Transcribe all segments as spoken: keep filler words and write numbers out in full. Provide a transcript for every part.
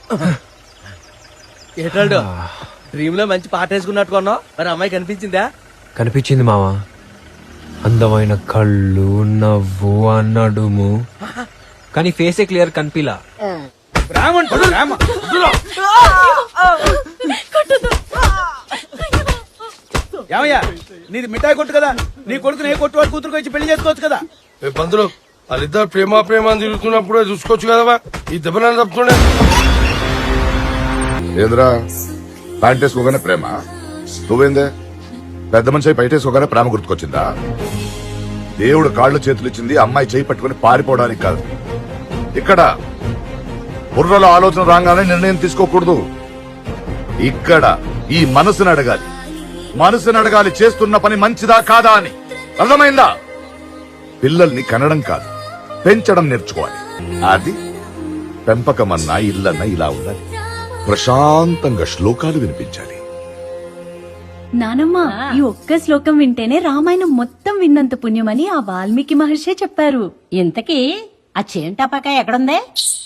ఏటాడు dream లో మంచి పాట వేసుకున్నట్టు కొన్నావు, మరి అమ్మాయి కనిపించిందా? కనిపించింది మావా. అందమైన కళ్ళు, నవ్వు, నడుము, కానీ ఫేసే క్లియర్ కనిపిలా. ఏమయ్యా, నీది మిఠాయి కొట్టు కదా, నీ కొడుకుని ఏ కొట్టు వాడు కూతురుకు వచ్చి పెళ్లి చేసుకోవచ్చు కదా. పంతులు వాళ్ళిద్దరు ప్రేమ ప్రేమ అని తిరుగుతున్నప్పుడే చూసుకోవచ్చు కదవా, ఈ దెబ్బన తప్పుతుండే. ఏంద్రా ప్యాంట్ వేసుకోగానే ప్రేమ? నువ్వేందే పెద్ద మనిషి బయట వేసుకోగానే ప్రేమ గుర్తుకొచ్చిందా? దేవుడు కాళ్ళు చేతులు ఇచ్చింది అమ్మాయి చేయి పట్టుకుని పారిపోవడానికి కాదు. ఇక్కడ బుర్రలో ఆలోచన రాగానే నిర్ణయం తీసుకోకూడదు. ఇక్కడ ఈ మనసుని అడగాలి, మనసుని అడగాలి చేస్తున్న పని మంచిదా కాదా అని. అర్థమైందా? పిల్లల్ని కనడం కాదు, పెంచడం నేర్చుకోవాలి. అది పెంపకమన్నా ఇల్లన్నా ఇలా ఉండాలి. ప్రశాంతంగా శ్లోకాలు వినిపించాలి. నానమ్మ, ఈ ఒక్క శ్లోకం వింటేనే రామాయణం మొత్తం విన్నంత పుణ్యమని ఆ వాల్మీకి మహర్షి చెప్పారు. ఇంతకీ ఆ చేంటాపాక ఎక్కడుందే?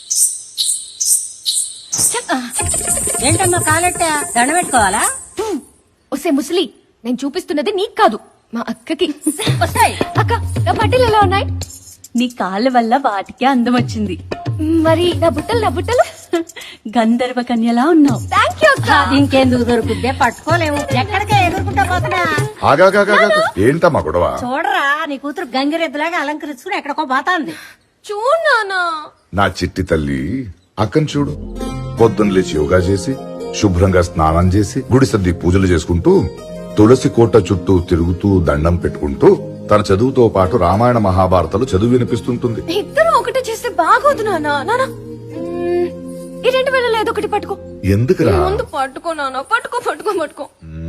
ఏంటమ్మా కాలెట్టా దండ పెట్టుకోవాలా? ఒసే ముసలి, నేను చూపిస్తున్నది నీకు కాదు, మా అక్కకి. వస్తాయి అక్క, నా బట్టలు ఎలా ఉన్నాయి? నీ కాళ్ళ వల్ల వాటికే అందం వచ్చింది. మరి నా బుట్టలు నా బుట్టలు గంధర్వ కన్యలా ఉన్నావు. థ్యాంక్ యూ అక్క. ఇంకెందుకు దొరుకుద్దే, పట్టుకోలేము. ఎక్కడికే ఎదుర్కొంటా పోతున్నా. ఏంటమ్మా గొడవ? చూడరా, నీ కూతురు గంగిరెద్దులాగా అలంకరించుకుని ఎక్కడికో పోతాంది. చూడనా నా చిట్టి తల్లి అక్కను చూడు. పొద్దున్న లేచి యోగా చేసి శుభ్రంగా స్నానం చేసి గుడి సర్ది పూజలు చేసుకుంటూ తులసి కోట చుట్టూ తిరుగుతూ దండం పెట్టుకుంటూ తన చదువుతో పాటు రామాయణ మహాభారతాలు చదువు వినిపిస్తుంటుంది. ఇద్దరు ఒకటి చేస్తే బాగోదు నానా. నానా ఈ రెండు వేల ఏదో ఒకటి పట్టుకో. ఎందుకురా? ముందు పట్టుకో నానా, పట్టుకో పట్టుకో పట్టుకో.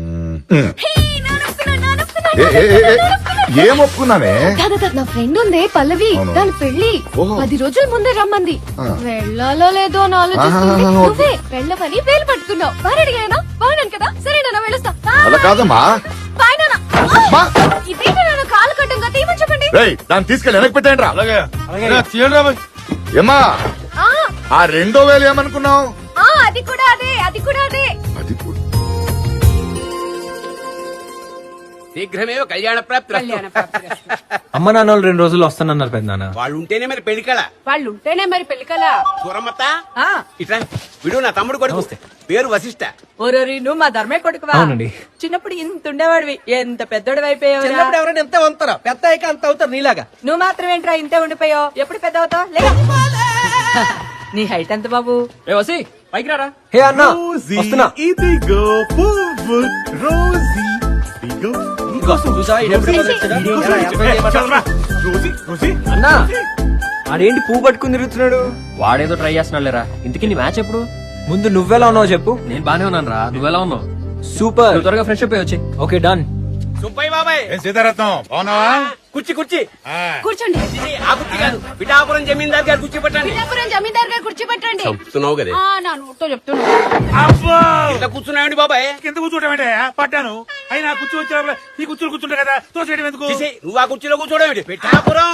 ఏం ఒప్పుకున్నానే? నా ఫ్రెండ్ ఉందే పల్లవి, దాని పెళ్లి పది రోజుల ముందే రమ్మంది. వెళ్ళాలో లేదో అని ఆలోచిస్తుంది. నువ్వే వెళ్ళవని వేలు పట్టుకున్నావు. బాగా అడిగానా? బాగున్నాను కదా? సరే నాన్న వెళ్ళొస్తా. అలా కాదమ్మా. బాయ్ నాన్న. ఇదేంటి నాన్న కాలు కట్టంగా తీయమని చెప్పండి. దాన్ని తీసుకెళ్ళి వెనక్కి పెట్టండి రా. అలాగే ఏమ్మా, ఆ రెండో వేలు ఏమనుకున్నావు? అది కూడా అదే, అది కూడా అదే. అది కూడా శీఘ్రమేవ కళ్యాణ ప్రాప్తి. అమ్మ నాన్న వాళ్ళు రెండు రోజులు వస్తానన్నారు పెద్దనాన్న. వాళ్ళు ఉంటేనే మరి పెళ్లికల. వాళ్ళు ఉంటేనే మరి పెళ్లికలా. దూరమ్మత ఇట్లా విడు, నా తమ్ముడు కొడుకు, పేరు వశిష్ట. ఓరోరి, నువ్వు మా ధర్మే కొడుకువా? అవునండి. చిన్నప్పుడు ఇంత ఉండేవాడివి, ఎంత పెద్దోడు అయిపోయావు. చిన్నప్పుడు ఎవరైనా ఎంత వంతారా, పెద్ద అయ్యాక అంత అవుతారు నీలాగా. నువ్వు మాత్రం ఏంట్రా ఇంతే ఉండిపోయావు? ఎప్పుడు పెద్ద అవుతావు? నీ హైట్ ఎంత బాబు? ఏ వసి పైకి రారా. హే అన్న, వస్తున్నా. ఇదిగో పువ్వు రోజీ, ఇదిగో అన్నా, ఆడేంటి పువ్వు పట్టుకుని తిరుగుతున్నాడు? వాడేదో ట్రై చేస్తున్నాడు లేరా. ఇంతకీ నీ మ్యాచ్ ఎప్పుడు? ముందు నువ్వెలా ఉన్నావు చెప్పు. నేను బానే ఉన్నాను రా, నువ్వెలా ఉన్నావు? సూపర్, త్వరగా ఫ్రెష్ అప్ వచ్చి. Okay done. సుబ్బయ్య బాబాయ్. ఏం సీతారత్నం బాగున్నావా? కుర్చీ కుర్చీ కూర్చోండి. ఆ కుర్చీ కాదు, పిఠాపురం జమీందార్ గారు కుర్చీ పట్టండి. పిఠాపురం జమీందార్ గారు కుర్చీ పెట్టండి. చెప్తున్నావు కదా. నా నోటితో చెప్తున్నా. ఇట్లా కూర్చున్నాయండి బాబాయ్. కింద కూర్చోటమేంటే పట్టాను. అయినా కూర్చో వచ్చా ఈ కూర్చుని కూర్చుంటా కదా, తోసేయడం ఎందుకు? చేసేయ్, నువ్వు ఆ కుర్చీలో కూర్చోడేమిటి? పిఠాపురం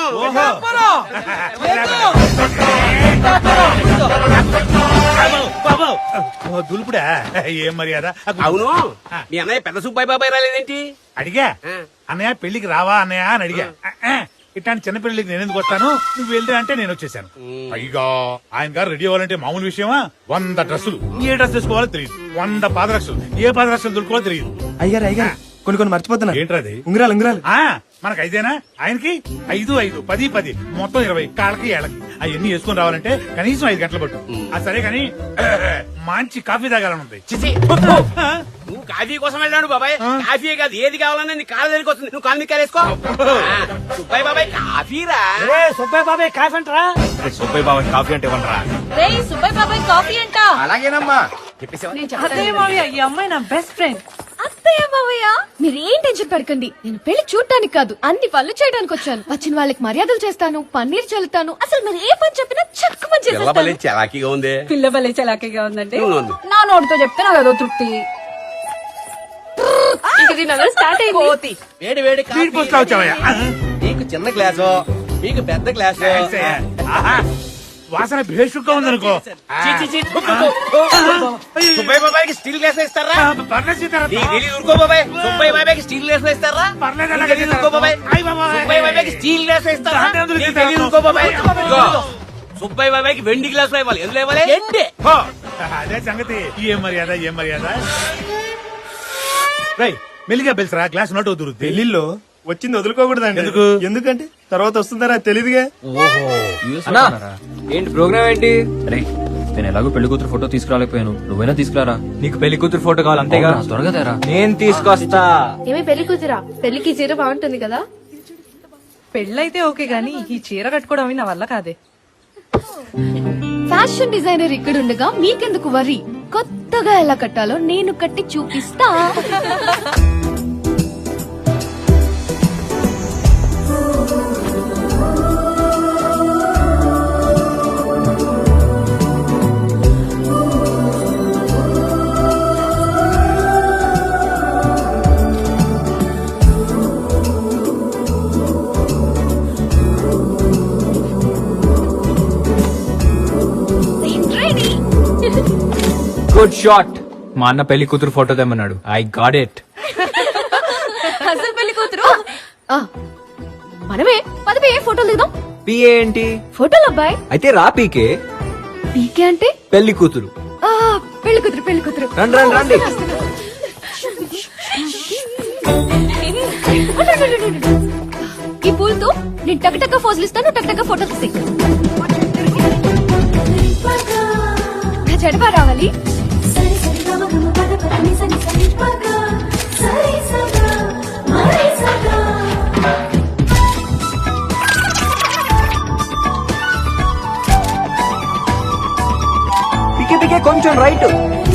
దులుపుడా? ఏం మర్యాద? అవును, మీ అన్నయ్య పెద్ద సుబ్బయ్య బాబాయ్ రాలేదేంటి? అడిగా, అన్నయ్య పెళ్లికి రావా అన్నయ్య అని అడిగా. ఇట్లాంటి చిన్న పెళ్లికి నేను ఎందుకు వస్తాను, నువ్వు వెళ్తే అంటే నేను వచ్చేసాను. పైగా ఆయన గారు రెడీ అవ్వాలంటే మామూలు విషయమా? వంద డ్రెస్సులు, ఏ డ్రెస్ వేసుకోవాలో తెలియదు. వంద పాదరక్షలు, ఏ పాదరక్షలు దొరుకోవాలో తెలియదు. అయ్యారు అయ్యారు, కొన్ని కొన్ని మర్చిపోతున్నా. ఏంట్రది? ఉంగరాలు ఉంగరాలు. ఆ మనకు ఐదేనా, ఆయనకి ఐదు ఐదు పది పది మొత్తం ఇరవై, కాళ్ళకి ఏళ్ళకి. అవన్నీ వేసుకుని రావాలంటే కనీసం ఐదు గంటలు పట్టు. ఆ సరే కాని మంచి కాఫీ తాగాలనుంది. నువ్వు కాఫీ కోసం వెళ్ళాడు బాబాయ్. కాఫీ కాదు, ఏది కావాలన్నా నీ కాళ్ళ దగ్గరికి వస్తుంది. నువ్వు కాలు మీద వేసుకో. సుబ్బయ్య బాబాయ్ కాఫీ రా. సుబ్బయ్య బాబాయ్ కాఫీ అంటారా? సుబ్బయ్య బాబాయ్ కాఫీ అంటే ఇవ్వండిరా. సుబ్బయ్య బాబాయ్ కాఫీ అంట. అలాగేనమ్మా. అత్తయ్య మావయ్య, ఈ అమ్మాయి నా బెస్ట్ ఫ్రెండ్. అత్తయ్య మావయ్య, మీరేం టెన్షన్ పడకండి. నేను పెళ్లి చూడటానికి కాదు, అన్ని పనులు చేయడానికి వచ్చాను. వచ్చిన వాళ్ళకి మర్యాదలు చేస్తాను, పన్నీర్ చల్లుతాను. అసలు మీరు ఏ పని చెప్పినా చక్కమని చేసేస్తాను. చలాకీగా ఉంది. పిల్ల బలే చలాకీగా ఉందండి. ఉంది. నా నోటితో చెప్తే నాకు అదో తృప్తి. స్టార్ట్ అయింది. వేడి వేడి స్పీడ్ పోస్ట్ లో వచ్చావయ్యా. నీకు చిన్న గ్లాసు, మీకు పెద్ద గ్లాసు. వాసన భేషుగ్గా ఉందనుకో చి, చి, చి, థు, థు, థు, థు. సుబ్బయ్య బాబాయ్కి స్టీల్ గ్లాస్ ఇస్తారా ఆ, పర్లేదు సీతారాం. నీకు తెలియదు ఊరుకో బాబాయ్. సుబ్బయ్య బాబాయ్కి స్టీల్ గ్లాస్ ఇస్తారా పర్లేదు నీకు అలాగే తెలీదు ఊరుకో బాబాయ్. అయ్ బాబాయ్. సుబ్బయ్య బాబాయ్కి స్టీల్ గ్లాస్ ఇస్తారా దాంట్లో ఎందుకు నీకు ఇస్తారు? తెలీదు ఊరుకో బాబాయ్. ఇదిగో. ఇదిగో, సుబ్బయ్య బాబాయ్కి వెండి గ్లాస్ ఇవ్వాలి. ఎందులో ఇవ్వాలి ఎండి అదే సంగతి ఏం మర్యాద ఏం మర్యాద రై మెల్లిగా పిలిచరా గ్లాస్ నోట్ వదురుద్ది పెళ్లిలో వచ్చింది వదులుకోకూడదండి ఎందుకు? ఎందుకంటే తర్వాత వస్తుందరా తెలీదుగా. అన్నా ఏంటి ప్రోగ్రామ్ ఏంటి? రే నేను ఎలాగో పెళ్లి కూతురు ఫోటో తీసుకురాలేకపోయాను, నువ్వైనా తీసుకురారా. నీకు పెళ్లి కూతురు ఫోటో కావాలి అంతేగా? అవునా, త్వరగా తేరా. నేను తీసుకొస్తా. ఏమి పెళ్లి కూతురా పెళ్లికి చీర బాగుంటుంది కదా. పెళ్ళైతే ఓకే గానీ ఈ చీర కట్టుకోవడం అవి నా వల్ల కాదే. ఫ్యాషన్ డిజైనర్ ఇక్కడ ఉండగా మీకెందుకు వరి. కొత్తగా ఎలా కట్టాలో నేను కట్టి చూపిస్తా. Ready? Good shot. మా అన్న పెళ్లి కూతురు ఫోటో తెమ్మన్నాడు. I got it. అసలు పెళ్లి కూతురు ఆ, మనమే పదవి ఫోటోలు దిగుదాం. పిఏ ఏంటి? ఫోటోలు అబ్బాయి. అయితే రా పీకే. పీకే అంటే పెళ్లి కూతురు. ఆ, పెళ్లి కూతురు పెళ్లి కూతురు. రండి, రండి, రండి. వస్తున్నా, వస్తున్నా. ఈ పూలతో నేను టక్ టక్ ఫోజులు ఇస్తాను, టక్ టక్ ఫోటో తీసి నా చెడపా రావాలి. పికే పికే కొంచెం రైట్.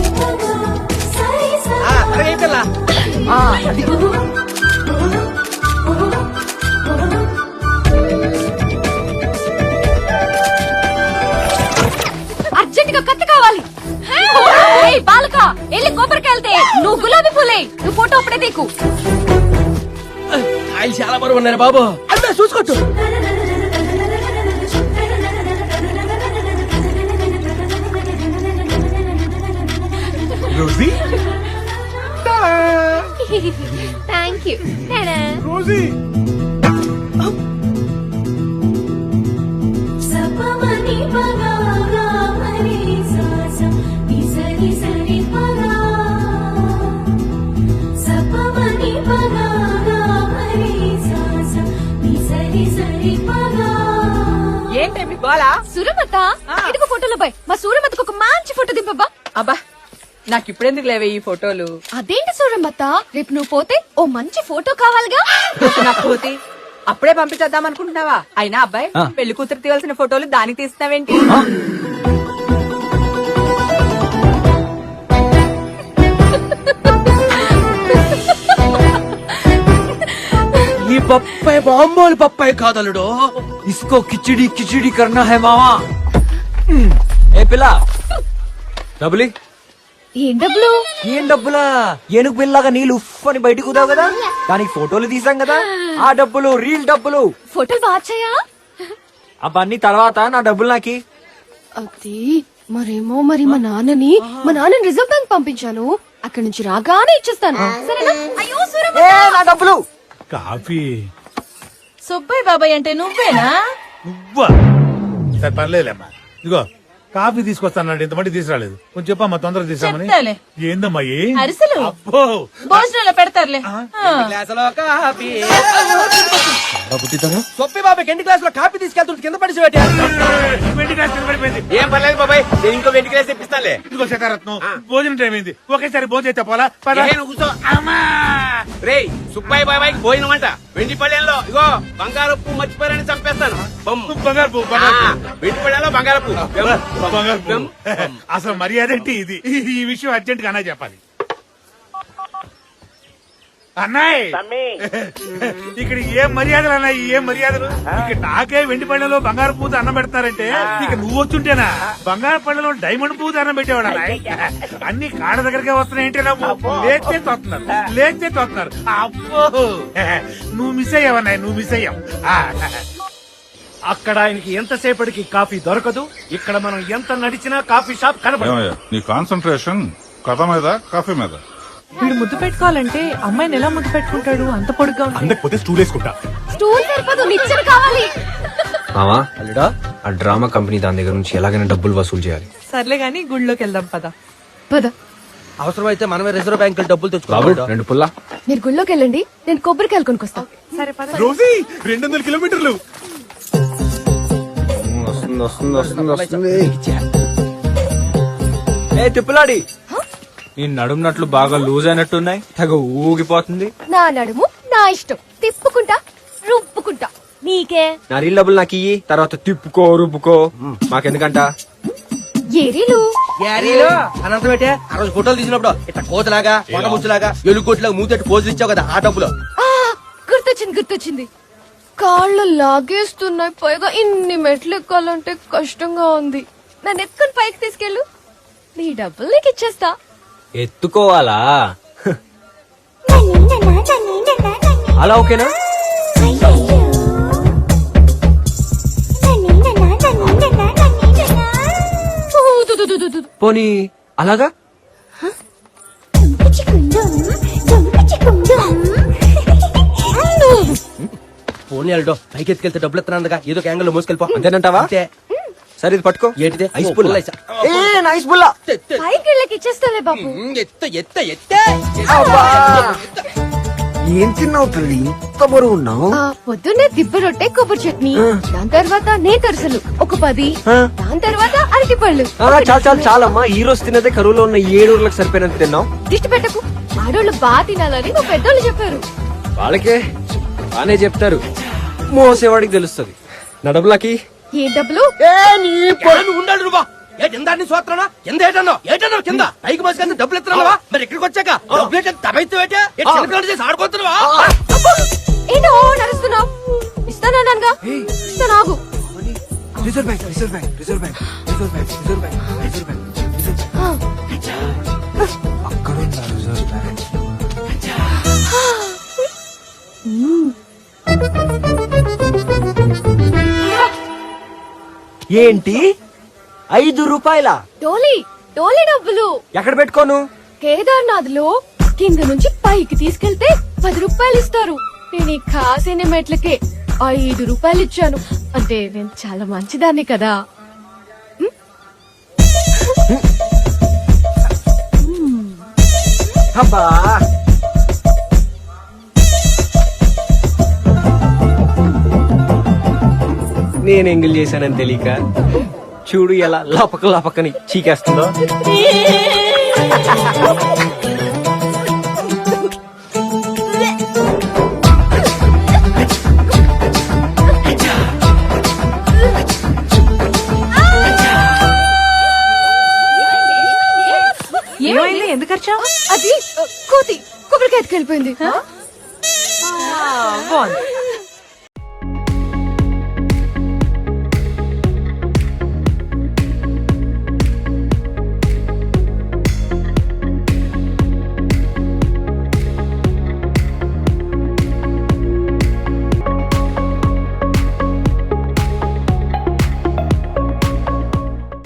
అర్జెంట్ గా కత్తి కావాలి. ఏయ్ బాలక వెళ్ళి కొబ్బరికెళ్తే నువ్వు గులాబీ పూలే, నువ్వు ఫోటో అప్పుడే తీకు. ఆయన చాలా బరువు ఉన్నారు బాబు. అంతా చూసుకోవచ్చు. Rosie thank you. రోజీ ఏంటి మీ గోలా? సురమత ఇదిగో ఫోటోలో బాయ్, మా సూరమతకు ఒక మంచి ఫోటో దింపబ్బా. అబ్బా నాకు ఇప్పుడెందుకు లేవే ఈ ఫోటోలు? అదేంటి సూరమత, రేపు నువ్వు పోతే ఓ మంచి ఫోటో కావాలిగా. నాకు పోతే అప్పుడే పంపించేద్దాం అనుకుంటున్నావా? అయినా అబ్బాయి ఆ. పెళ్లి కూతురు తీయాల్సిన ఫోటోలు దానికి తీస్తున్నావేంటి? ఈ పప్పాయి బాంబోలు పప్పాయి కాదలుడు. ఇస్కో కిచిడి కిచిడి కర్నా హై మావా. ఏ పిల్ల డబ్బులి. ఏం డబ్బులు? ఏం డబ్బులా? ఏనుగు పిల్లగా నీళ్ళు ఉఫ్ అని బయటకు కుదావు కదా, దానికి ఫోటోలు తీసాం కదా, ఆ డబ్బులు రీల్ డబ్బులు. ఫోటోలు బాచాయా? అవన్నీ తర్వాత, నా డబ్బులు నాకి. అది మరేమో మరి మా నాన్నని మా నాన్నని రిజర్వ్ బ్యాంక్ పంపించాను, అక్కడి నుంచి రాగానే ఇచ్చేస్తాను సరేనా? అయ్యో సూరమత. ఏ నా డబ్బులు. కాఫీ సుబ్బయ్య బాబాయ్ అంటే నువ్వేనా? నువ్వా? సరే పర్లేదమ్మా. ఇదిగో కాఫీ తీసుకొస్తానండి, ఇంతమంది తీసుకురాలేదు. కొంచెం చెప్పమ్మా తొందరగా తీసామని. చెప్తాలే. ఏందమ్మా ఏ? అరిసెలు అబ్బో భోజనంలో పెడతారులే. గ్లాసులో కాఫీ. సొప్పి బాబాయ్ ఎన్ని గ్లాసులో కాఫీ తీసుకెళ్తుంటే కింద పడిచి వెండి గ్లాస్ కింద పడిపోయింది. ఏం పర్లేదు బాబాయ్, నేను ఇంకో వెండి గ్లాస్ తెప్పిస్తానులే. ఇదిగో శేఖరత్నం భోజనం టైం అయింది, ఒకేసారి భోజనం అయితే పోలా. పద. ఏ, నువ్వు కూర్చో. రేయ్ సుబ్బయ్య బాబాయ్ భోజనం అంట వెండి పళ్ళెంలో. ఇగో బంగారపు మర్చిపోయారని చంపేస్తాను. బొమ్. బంగారు పువ్వు, ఆ, బంగారు పువ్వు. వెండి పళ్ళెంలో బంగారపు. బంగారు పువ్వు. అసలు మర్యాద ఏంటి ఇది? ఈ విషయం అర్జెంట్ గా అన్నా చెప్పాలి. అన్నాయ్ ఇక్కడ ఏం మర్యాదలు అన్నాయి, ఏం మర్యాదలు? ఇక నాకే వెండి పళ్ళెలో బంగారు పూత అన్నం పెడతారంటే ఇక నువ్వు వచ్చుంటేనా బంగారు పళ్ళెలో డైమండ్ పూత అన్నం పెట్టేవాడు అన్నాయ్. అన్ని కాళ్ళ దగ్గరకే వస్తున్నాయంటే నువ్వు లేచే తోస్తున్నారు, లేచే తోస్తున్నారు. అబ్బో నువ్వు మిస్ అయ్యావన్నాయ్, నువ్వు మిస్ అయ్యావు. అక్కడ ఆయనకి ఎంతసేపటికి కాఫీ దొరకదు, ఇక్కడ మనం ఎంత నడిచినా కాఫీ షాప్ కనబడదు. ఏమయ్యా నీ కాన్సన్ట్రేషన్ కథ మీద కాఫీ మీద. వీడు ముద్దు పెట్టుకోవాలంటే అమ్మాయిని ఎలా ముద్దు పెట్టుకుంటాడు? అంత పొడుగ్గా ఉంది. అందకపోతే స్టూల్ వేసుకుంటా. స్టూల్ సరిపోదు, నిచ్చెన కావాలి. మావా అల్లుడా ఆ డ్రామా కంపెనీ దాని దగ్గర నుంచి ఎలాగైనా డబ్బులు వసూలు చేయాలి. సర్లే గానీ గుళ్ళోకి వెళ్దాం పద. పద. అవసరమైతే మనమే రిజర్వ్ బ్యాంక్ డబ్బులు బాబు తెచ్చుకోవాలి. రెండు పుల్లా. మీరు గుళ్ళోకి వెళ్ళండి, నేను కొబ్బరికాయలు కొనుక్కొస్తా. సరే పద. రోజీ రెండు వందల కిలోమీటర్లు. వస్తుంది వస్తుంది వస్తుంది వస్తుంది. ఏ తిప్పులాడి నీ నడుమునట్లు బాగా లూజ్ అయినట్టున్నాయి, తెగ ఊగిపోతుంది. నా నడుము నా ఇష్టం, తిప్పుకుంటా రుప్పుకుంటా. నీకే నా రీల్ డబ్బులు నాకు ఇయ్యి, తర్వాత తిప్పుకో రుబ్బుకో మాకెందుకంట. ఏరీలు యారీలో అనంతం ఏంటే ఆ రోజు ఫోటోలు తీసినప్పుడు ఇట్లా కోతలాగా కొండ ముచ్చులాగా ఎలుగుకోట్లాగా మూతెట్టు పోజులు ఇచ్చావు కదా ఆ డబ్బులు. ఆ, గుర్తొచ్చింది గుర్తొచ్చింది. కాళ్ళు లాగేస్తున్నాయి, పైగా ఇన్ని మెట్లు ఎక్కాలంటే కష్టంగా ఉంది. నన్ను ఎత్తుకుని పైకి తీసుకెళ్ళు, నీ డబ్బులు నీకు ఇచ్చేస్తా. ఎత్తుకోవాలా? అలా ఓకేనా? ఊ, దు, దు, దు, దు, దు. పోనీ అలాగా? ఫోన్ వెళ్ళడం పైకి ఎత్తుకెళ్తే డబ్బులు ఎత్తనందుగా ఏదో యాంగిల్ లో మోసుకెళ్ళిపో. అంతేనంటావా? అంతే. సరే ఇది పట్టుకో. ఏంటిదే? ఐస్ పుల్ల. పుల్ల ఐసా? ఏ నైస్ పుల్ల. పైకి వెళ్ళకి ఇచ్చేస్తాలే బాబు. ఎత్త ఎత్త ఎత్తే ఏం తిన్నావు తల్లి, ఇంత బరువు ఉన్నావు? ఆ, పొద్దున్నే దిబ్బ రొట్టె కొబ్బరి చట్నీ, దాని తర్వాత నేతరసలు ఒక పది, దాని తర్వాత అరటి పళ్ళు. చాలు చాలు చాలమ్మా, ఈ రోజు తిన్నదే కరువులో ఉన్న ఏడు ఊర్లకు సరిపోయినంత తిన్నావు. దిష్టి పెట్టకు, ఆడోళ్ళు బాగా తినాలని మా పెద్దోళ్ళు చెప్పారు. వాళ్ళకే బానే చెప్తారు, మోసేవాడికి తెలుస్తుంది. నా డబ్బులకి ఏ డబ్బులు? ఉండాలి రూబా. ఏ కింద సోత్రనా కింద ఏటన్నా ఏటన్నా కింద పైకి మోసుకెళ్తే డబ్బులు ఎత్తున్నావా? మరి ఇక్కడికి వచ్చాక డబ్బులు ఏంటంటే తబైతే చిన్నపిల్లలు చేసి ఆడుకోతున్నావా? ఏంటో నడుస్తున్నావు? ఇస్తానన్నాగా, ఇస్తాను ఆగు. Reserve bank reserve bank reserve bank reserve bank reserve bank reserve bank ఆ, అక్కడ ఉందా రిజర్వ్ బ్యాంక్? ఏంటి ఐదు రూపాయల టోలీ టోలీ డబ్బులు ఎక్కడ పెట్టుకోను? కేదార్నాథ్ లో కింద నుంచి పైకి తీసుకెళ్తే పది రూపాయలు ఇస్తారు. నేను ఈ కాసిన మెట్లకే ఐదు రూపాయలు ఇచ్చాను. అంటే నేను చాలా మంచిదాన్ని కదా. అబ్బా నేను ఎంగిల్ చేశానని తెలియక చూడు ఎలా లపక లపకని చీకేస్తుందో. ఏమైంది? ఎందుకు వచ్చావు? అది ఆ, కోతి కొబ్బరికాయ ఎత్తుకెళ్ళిపోయింది. బాగుంది.